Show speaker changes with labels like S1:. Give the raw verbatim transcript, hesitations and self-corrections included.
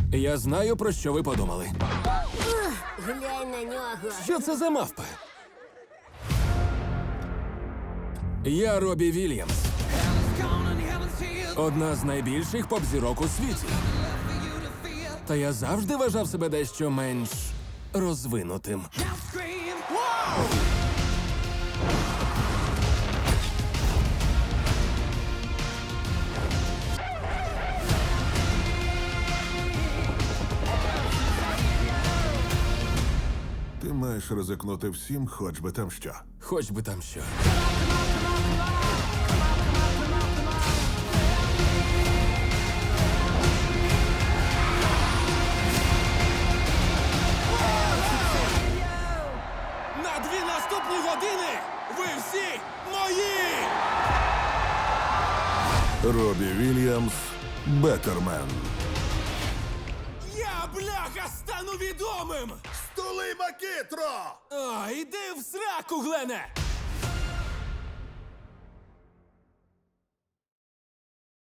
S1: Я знаю, про що ви подумали.
S2: Глянь на нього.
S1: Що це за мавпи? Я Робі Вільямс. Одна з найбільших поп-зірок у світі. Та я завжди вважав себе дещо менш розвинутим.
S3: Ти маєш ризикнути всім, хоч би там що.
S1: Хоч би там що. На дві наступні години ви всі мої!
S3: Робі Вільямс, Беттермен.
S1: Я, бляха, стану відомим!
S3: Стули Макітро!
S1: А, іди в сраку, Глене!